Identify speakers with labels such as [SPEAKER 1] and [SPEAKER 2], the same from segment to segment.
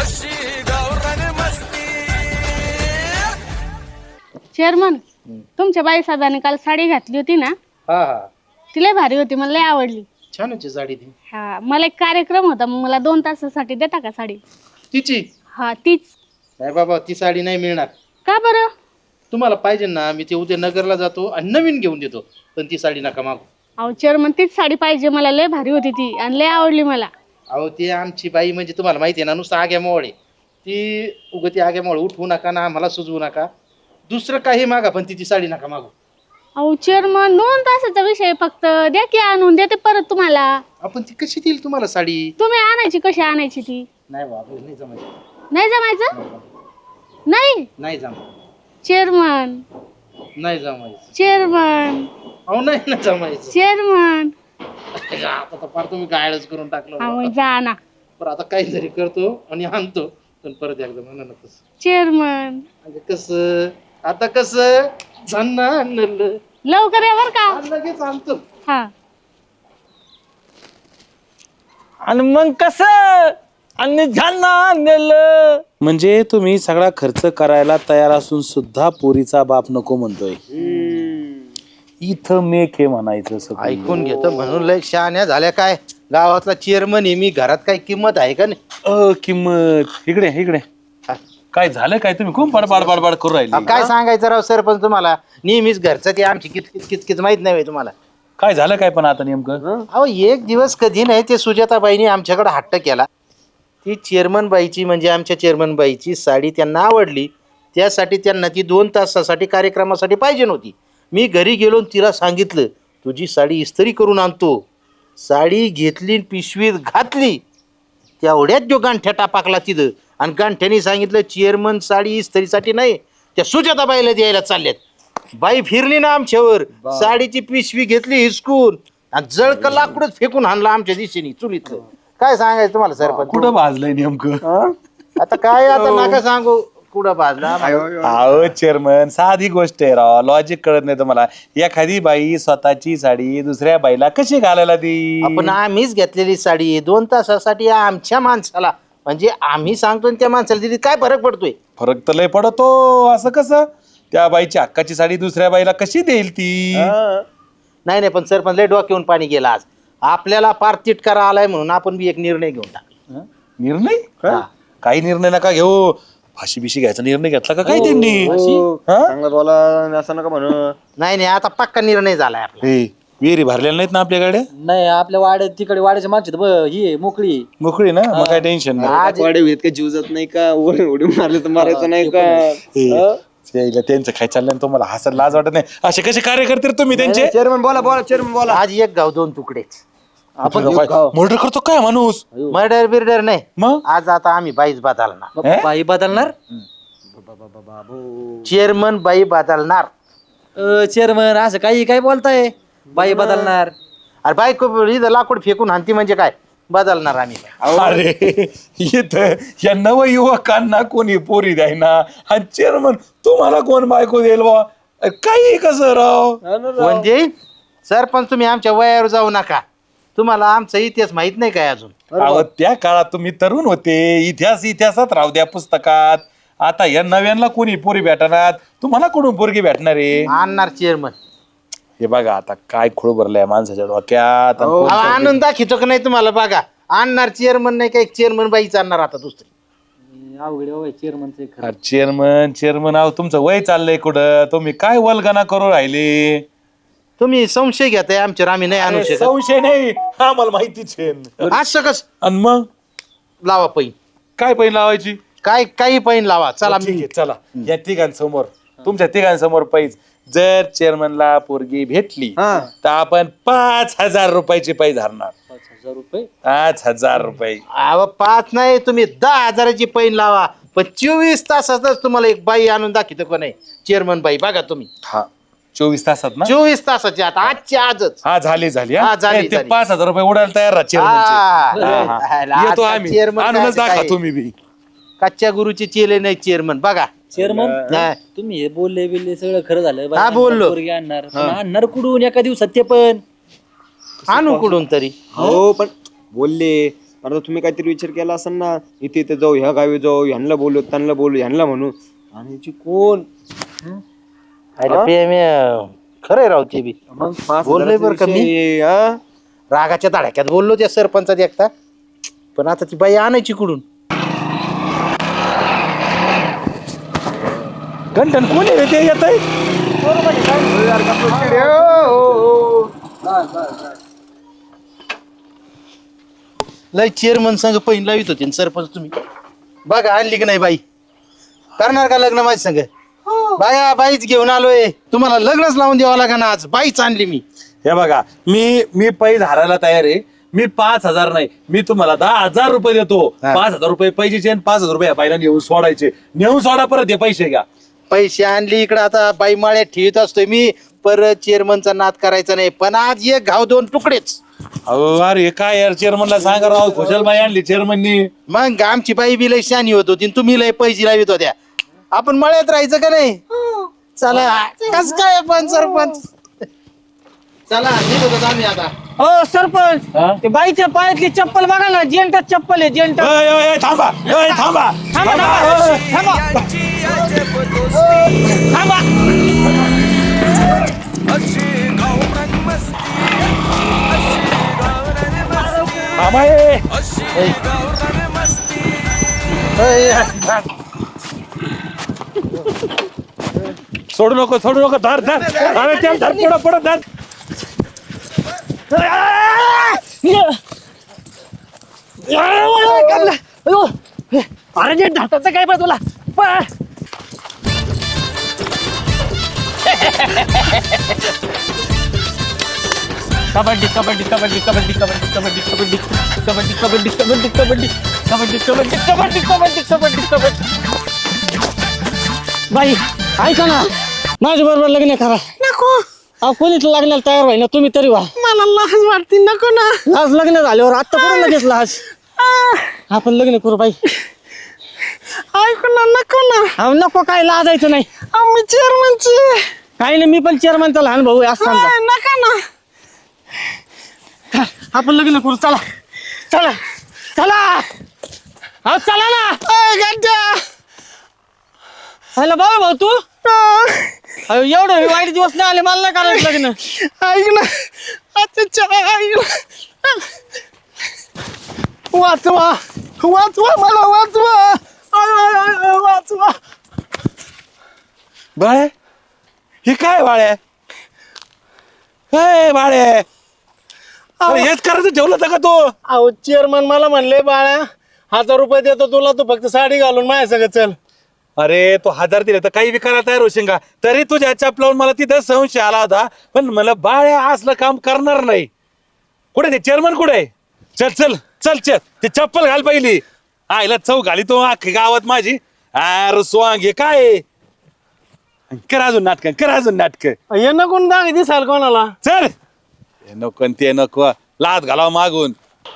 [SPEAKER 1] Chairman, तुमच्या बाई साहेबांनी काल साडी घातली होती ना,
[SPEAKER 2] हा हा
[SPEAKER 1] ती लय भारी होती, मला लय आवडली.
[SPEAKER 2] छान होती साडी ती.
[SPEAKER 1] हा, मला एक कार्यक्रम होता, मग मला 2 तासासाठी देता का साडी?
[SPEAKER 2] तिची
[SPEAKER 1] हा, तीच.
[SPEAKER 2] नाही बाबा, ती साडी नाही मिळणार.
[SPEAKER 1] का बरं?
[SPEAKER 2] तुम्हाला पाहिजे ना, मी ते उद्या नगरला जातो आणि नवीन घेऊन देतो, पण ती साडी नका मागू.
[SPEAKER 1] अहो चेअरमन, तीच साडी पाहिजे मला, लय भारी होती ती आणि लय आवडली मला.
[SPEAKER 2] अहो ती आमची बाई म्हणजे तुम्हाला माहिती आहे ना, नुसतं आग्यामोळ आहे ती. उगं ती आग्यामोळ उठवू नका ना, आम्हाला सुचवू नका. दुसरं काही मागा, पण तिची साडी नका मागू.
[SPEAKER 1] अहो चेअरमन, 2 तासाचा विषय फक्त, द्या की आणून, देते परत तुम्हाला.
[SPEAKER 2] आपण ती कशी देईल तुम्हाला साडी?
[SPEAKER 1] तुम्ही आणायची, कशी आणायची ती?
[SPEAKER 2] नाही बाबा, नाही जमायचं.
[SPEAKER 1] नाही जमायचं? नाही
[SPEAKER 2] नाही जमायचं.
[SPEAKER 1] चेअरमन,
[SPEAKER 2] नाही जमायचं.
[SPEAKER 1] चेअरमन,
[SPEAKER 2] अहो नाही ना जमायचं.
[SPEAKER 1] चेअरमन.
[SPEAKER 2] आता तर फार तुम्ही गायडच करून टाकलं
[SPEAKER 1] अहो
[SPEAKER 2] बाबा.
[SPEAKER 1] जा ना.
[SPEAKER 2] पण आता काहीतरी करतो आणि आणतो, पण परत एकदा म्हणा ना तसं.
[SPEAKER 1] चेअरमन,
[SPEAKER 2] म्हणजे कसं आता कसं झन्न आणलं,
[SPEAKER 1] लवकर या बर का.
[SPEAKER 2] लगेच आणतो.
[SPEAKER 1] हा.
[SPEAKER 3] आणि मग कसं आणि झालं नेलं.
[SPEAKER 4] म्हणजे तुम्ही सगळा खर्च करायला तयार असून सुद्धा पोरीचा बाप नको म्हणतोय. इथं मेक हे म्हणायचं सगळं.
[SPEAKER 2] ऐकून घेतो म्हणून लय शहाण्या झाल्या काय. गावातला चेअरमन आहे मी, घरात काही किंमत आहे का नाही?
[SPEAKER 4] किंमत इकडे इकडे. काय झालं काय, तुम्ही खूप बडबड बडबड करू राहिले.
[SPEAKER 2] काय सांगायचं राव सरपंच तुम्हाला, नेहमीच घरचं ते आमची किचकिच किचकिच माहित नाही तुम्हाला.
[SPEAKER 4] काय झालं काय पण आता नेमकं?
[SPEAKER 2] अहो एक दिवस कधी नाही ते सुजाताबाईंनी आमच्याकडे हट्ट केला. ती चेअरमन बाईची म्हणजे आमच्या चेअरमन बाईची साडी त्यांना आवडली, त्यासाठी त्यांना ती 2 तासासाठी कार्यक्रमासाठी पाहिजे नव्हती. मी घरी गेलो तिला सांगितलं तुझी साडी इस्त्री करून आणतो. साडी घेतली, पिशवीत घातली, तेवढ्यात जो गांठ्या टापाकला तिथं, आणि गांठ्याने सांगितलं चेअरमन साडी इस्त्रीसाठी नाही, त्या सुजाताबाईला द्यायला चालल्यात. बाई फिरली ना आमच्यावर, साडीची पिशवी घेतली हिसकून आणि जळक लाकडच फेकून आणला आमच्या दिशेने चुलीतलं. काय सांगायचं तुम्हाला सरपंच?
[SPEAKER 4] कुठं भाजलंय नेमकं?
[SPEAKER 2] आता काय आता नका सांगू कुठं भाजला.
[SPEAKER 4] अहो चेअरमन, साधी गोष्ट आहे राव, लॉजिक कळत नाही तुम्हाला. एखादी बाई स्वतःची साडी दुसऱ्या बाईला कशी घालायला दी?
[SPEAKER 2] आपण आम्हीच घेतलेली साडी 2 तासासाठी आमच्या माणसाला, म्हणजे आम्ही सांगतो त्या माणसाला दिली, काय फरक पडतोय?
[SPEAKER 4] फरक तर लय पडतो. असं कसं? त्या बाईची हक्काची साडी दुसऱ्या बाईला कशी देईल ती?
[SPEAKER 2] नाही नाही, पण सरपंच लय डोक्यावरून पाणी गेला आज. आपल्याला पार तिटकारा आलाय म्हणून आपण बी एक निर्णय घेऊन टाकला.
[SPEAKER 4] निर्णय? काही निर्णय नका घेऊ. फाशी बिशी घ्यायचा निर्णय घेतला का काय त्यांनी?
[SPEAKER 3] चांगलं बोला, असं नका म्हणू.
[SPEAKER 2] नाही नाही, आता पक्का निर्णय झालाय आपला.
[SPEAKER 4] विहिरी भरलेल्या नाहीत ना आपल्याकडे?
[SPEAKER 5] नाही, आपल्या वाड्यात तिकडे वाड्याच्या मागची ही आहे, मोकळी आहे.
[SPEAKER 4] मोकळी ना, मग काय टेन्शन नाही.
[SPEAKER 2] आज
[SPEAKER 3] वाडे होईल का, जीव जात नाही का, उडी मारले तर मारायचं नाही का?
[SPEAKER 4] त्यांचं काय चाललंय तुम्हाला हसायला लाज वाटत नाही? असे कसे कार्य करते तुम्ही त्यांचे?
[SPEAKER 3] चेअरमन बोला बोला, चेअरमन बोला.
[SPEAKER 2] आज एक गाव 2 तुकडेच.
[SPEAKER 4] आपण मर्डर करतो काय माणूस?
[SPEAKER 2] मर्डर बिर्डर नाही,
[SPEAKER 4] मग
[SPEAKER 2] आज आता आम्ही बाईच बदलणार.
[SPEAKER 5] बाई बदलणार?
[SPEAKER 2] चेअरमन बाई बदलणार.
[SPEAKER 5] चेअरमन असं काही काय बोलताय? बाई बदलणार?
[SPEAKER 2] अरे बायको इथं लाकूड फेकून हाणती म्हणजे काय, बदलणार आम्ही.
[SPEAKER 4] अरे इथं या नवयुवकांना कोणी पोरी द्यायना, आणि चेअरमन तुम्हाला कोण बायको देईल बा? काही कसं राव?
[SPEAKER 2] म्हणजे सरपंच तुम्ही आमच्या वयावर जाऊ नका, तुम्हाला आमचा इतिहास माहित नाही काय अजून.
[SPEAKER 4] अहो त्या काळात तुम्ही तरुण होते, इतिहासात राहू द्या पुस्तकात. आता या नव्यांना कोणी पोरी भेटणार, तुम्हाला कोण पोरगी भेटणार आहे?
[SPEAKER 2] आणणार चेअरमन.
[SPEAKER 4] हे बघा आता काय खोळ भरलंय माणसाच्या डोक्यात. आणि कोण पोरगी-
[SPEAKER 2] आणून दाखवतो का नाही तुम्हाला? बघा, आणणार चेअरमन नाही काय, चेअरमन बाईच आणणार आता दुसरी.
[SPEAKER 5] अवघड चेअरमनचं खरं.
[SPEAKER 4] चेअरमन अहो तुमचं वय चाललंय कुठं? तुम्ही काय वल्गना करू राहिले?
[SPEAKER 2] तुम्ही संशय घेताय आमच्यावर, आम्ही नाही आणू शकत.
[SPEAKER 4] संशय नाही, आम्हाला माहितीच आहे.
[SPEAKER 2] असं कस
[SPEAKER 4] आणि मग
[SPEAKER 2] लावा पैन,
[SPEAKER 4] काय पैन लावायची?
[SPEAKER 2] काय काही पैन लावा. चला
[SPEAKER 4] ठीक आहे, चला या तिघांसमोर, तुमच्या तिघांसमोर पैज. जर चेअरमनला पोरगी भेटली तर आपण 5,000 रुपयाची पैज हरणार.
[SPEAKER 5] 5,000 रुपये?
[SPEAKER 4] 5,000 रुपये.
[SPEAKER 2] 5 नाही, तुम्ही 10,000ची पैन लावा, पण 24 तासातच तुम्हाला एक बाई आणून दाखवतो का नाही, चेअरमन बाई. बघा तुम्ही,
[SPEAKER 4] हा 24 तासात ना?
[SPEAKER 2] 24 तासाची आता, आजच्या आजच.
[SPEAKER 4] हा झाली झाली.
[SPEAKER 2] हा, झाली,
[SPEAKER 4] ते
[SPEAKER 2] झाली.
[SPEAKER 4] 5,000 रुपये उडायला तयार राहा चेअरमनचे. येतो आम्ही,
[SPEAKER 2] चेअरमन
[SPEAKER 4] आणूनच दाखवा तुम्ही बी.
[SPEAKER 2] कच्च्या गुरुचे चेले नाही चेअरमन. बघा
[SPEAKER 5] चेअरमन,
[SPEAKER 2] हा.
[SPEAKER 5] तुम्ही हे बोलले बिलले सगळं खरं झालं.
[SPEAKER 2] हा, बोललो.
[SPEAKER 5] पोरगी आणणार, पण आणणार कुठून एका दिवसात ते पण?
[SPEAKER 2] आणू कुठून तरी.
[SPEAKER 3] हो पण बोलले आता तुम्ही काहीतरी विचार केला असाल ना, इथे इथे जाऊ, ह्या गावी जाऊ, ह्यांना बोलू, त्यांना बोलू, ह्यांना म्हणू. आणि याची कोण
[SPEAKER 2] खरंय राव ते बी
[SPEAKER 3] मग 5,000
[SPEAKER 2] बोललोय बरं का मी.
[SPEAKER 3] विषय, हा?
[SPEAKER 2] रागाच्या धडाक्यात बोललो त्या सरपंचात एकटा, पण आता ती बाई आणायची कुठून?
[SPEAKER 4] घंटन कोणी रे ते येत आहे?
[SPEAKER 2] लय चेअरमन संघ पहिला लावित होते न सरपंच तुम्ही. बघा आणली की नाही बाई, करणार का लग्न माझ्या संघ? बाया बाईच घेऊन आलोय, तुम्हाला लग्नच लावून द्यावं लागेल आज. बाईच आणली मी.
[SPEAKER 4] हे बघा, मी पैसे हारायला तयार आहे. मी 5,000 नाही, मी तुम्हाला 10,000 रुपये देतो.
[SPEAKER 2] हा.
[SPEAKER 4] 5,000 रुपये पैसे आणि 5,000 रुपये बाईला नेऊन सोडायचे. नेऊन सोडा, परत हे पैसे घ्या.
[SPEAKER 2] पैसे आणली इकडं, आता बाई माळ्यात ठेवीत असतोय मी. परत चेअरमनचा नाद करायचा नाही, पण आज एक घाव दोन तुकडेच.
[SPEAKER 4] अहो अरे काय यार, चेअरमनला सांगा राव, खुशालबाई आणली चेअरमननी.
[SPEAKER 2] मग आमची बाई बी लय शानी होत होती, तुम्ही लय पैसे लावित होत्या. आपण मळ्यात राहायचं का नाही? चला, कस काय पण सरपंच. चला निघतो आम्ही आता.
[SPEAKER 6] हो सरपंच,
[SPEAKER 4] हा?
[SPEAKER 6] ते बाईच्या पायातली चप्पल बघा ना, जेंटच चप्पल आहे, जेंट.
[SPEAKER 4] थांबा थांबा
[SPEAKER 6] थांबा.
[SPEAKER 4] थांबा. सोडू नको धर अरे चल धर, पुढं धर.
[SPEAKER 6] अरे जे ढाताचं काय पाहिजे तुला? पळ. कबड्डी कबड्डी कबड्डी कबड्डी कबड्डी कबड्डी कबड्डी कबड्डी कबड्डी कबड्डी कबड्डी कबड्डी कबड्डी कबड्डी कबड्डी कबड्डी कबड्डी. बाई ऐका ना, माझ्या बरोबर लग्न करा. नको. अहो कोणीच लग्नाला तयार व्हाय ना, तुम्ही तरी व्हा. मला लाज वाटते. नको ना. लाज लग्न झाल्यावर आता करून लगेच लाज. आपण लग्न करू बाई. ऐकू ना, नको ना. अहो नको, काय लाजायचं नाही. मी चेअरमनची काही नाही, मी पण चेअरमनचा लहान भाऊ आहे असं. नका ना, आपण लग्न करू. चला चला चला. अहो चला ना. हॅलो बाबा भाऊ, तू अहो एवढं वाईट दिवस नाही आले, मला नाही करायचं लग्न. ऐक ना, वाचवा वाचवा, मला वाचवा, वाचवा.
[SPEAKER 4] बाळे, हे काय बाळे? बाळे, अरे हेच करायचं ठेवलं होतं का तू?
[SPEAKER 6] अहो चेअरमन मला म्हणले, बाळा 1,000 रुपये देतो तुला, तू फक्त साडी घालून माझ्या सगळं चल.
[SPEAKER 4] अरे तू 1,000 दिले तर काही विकायला तयार होशील का? तरी तुझ्या चपलावून मला तिथं संशय आला होता, पण मला बाळ्या असलं काम करणार नाही. कुठे ते चेअरमन कुठे? चल चल चल चल, ते चप्पल घाल पहिली. आईला चौ घाली तो अख्खी गावात माझी. अरे स्वांग हे काय? कर अजून नाटक.
[SPEAKER 6] हे नको दाग दिसाल कोणाला.
[SPEAKER 4] चल, हे नको न ते नको, लात घालाव मागून.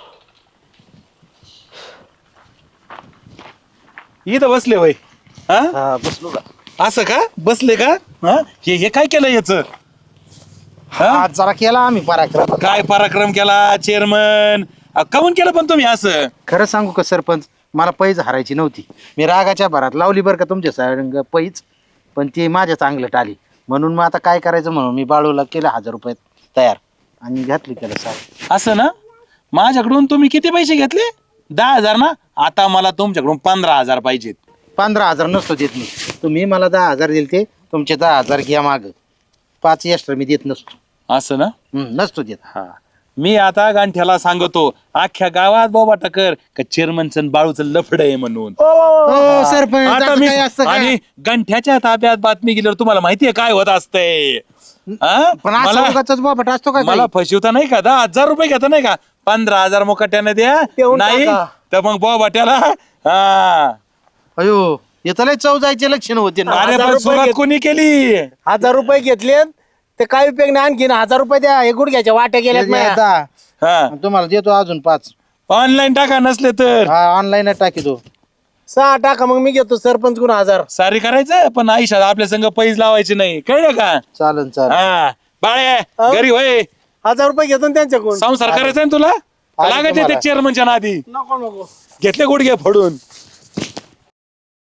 [SPEAKER 4] इथं बसले वय? हा
[SPEAKER 2] बसलो का?
[SPEAKER 4] असं का बसले का? हे काय केलं याच?
[SPEAKER 2] आज जरा केला आम्ही पराक्रम.
[SPEAKER 4] काय पराक्रम केला चेअरमन? काऊन केलं पण तुम्ही असं?
[SPEAKER 2] खरं सांगू का सरपंच, मला पैज हरायची नव्हती. मी रागाच्या भरात लावली बरं का तुमच्या संग पैज, पण ती माझ्या चांगलं टाली. म्हणून मग आता काय करायचं म्हणून मी बाळूला केलं 1,000 रुपये तयार आणि घातली त्याला साडी.
[SPEAKER 4] असं ना? माझ्याकडून तुम्ही किती पैसे घेतले? 10,000 ना? आता मला तुमच्याकडून 15,000 पाहिजेत.
[SPEAKER 2] 15,000 नसतो देत मी. तुम्ही मला 10,000 दिले, ते तुमचे 10,000 घ्या माग. 5 एक्स्ट्रा मी देत नसतो.
[SPEAKER 4] असं ना?
[SPEAKER 2] नसतो देत.
[SPEAKER 4] हा, मी आता गांठ्याला सांगतो अख्ख्या गावात बोबा टकर का चेअरमनचं बाळूचं लफड आहे म्हणून.
[SPEAKER 2] हो सरपंच,
[SPEAKER 4] आता
[SPEAKER 2] असं
[SPEAKER 4] मी
[SPEAKER 2] काही असतं का?
[SPEAKER 4] आणि गंठ्याच्या ताब्यात बातमी गेल्यावर तुम्हाला माहितीये काय होत असतंय?
[SPEAKER 2] पण असं
[SPEAKER 4] मला
[SPEAKER 2] उगाचच बाबा असतो का
[SPEAKER 4] मला फसवता नाही का? 10,000 रुपये घेता नाही का? 15,000 मुकाट्याने द्या.
[SPEAKER 2] देऊन
[SPEAKER 4] नाही
[SPEAKER 2] टाका.
[SPEAKER 4] तर मग बोबाट्याला. हा,
[SPEAKER 2] अयो येतं लय चव जायचे लक्षण होते ना.
[SPEAKER 4] अरे
[SPEAKER 6] 1000
[SPEAKER 4] पण
[SPEAKER 6] रुपये
[SPEAKER 4] सुरुवात
[SPEAKER 6] घेत-
[SPEAKER 4] कोणी केली?
[SPEAKER 6] 1,000 रुपये घेतले ते काय उपयोग नाही. आणखीन 1,000 रुपये द्या, हे गुडघ्याच्या वाट्या गेल्यात माझ्या.
[SPEAKER 2] दहा.
[SPEAKER 4] हा,
[SPEAKER 2] तुम्हाला देतो अजून 5.
[SPEAKER 4] ऑनलाईन टाका नसले तर.
[SPEAKER 2] हा ऑनलाईन टाकीतो.
[SPEAKER 6] 6 टाका, मग मी घेतो सरपंच गुण 1,000.
[SPEAKER 4] सारी करायचं पण आयुष्यात आपल्या संग पैज लावायचे नाही, कळलं का?
[SPEAKER 2] चालन चालन.
[SPEAKER 4] हा बाळे, घरी होय,
[SPEAKER 6] 1,000 रुपये घेतो ना त्यांच्याकडून.
[SPEAKER 4] संसार करायचा ना तुला?
[SPEAKER 2] आली
[SPEAKER 4] लागायचे
[SPEAKER 2] तुम्हाला.
[SPEAKER 4] ते चेअरमनच्या नादी
[SPEAKER 6] नको नको
[SPEAKER 4] घेतले गुडघे फोडून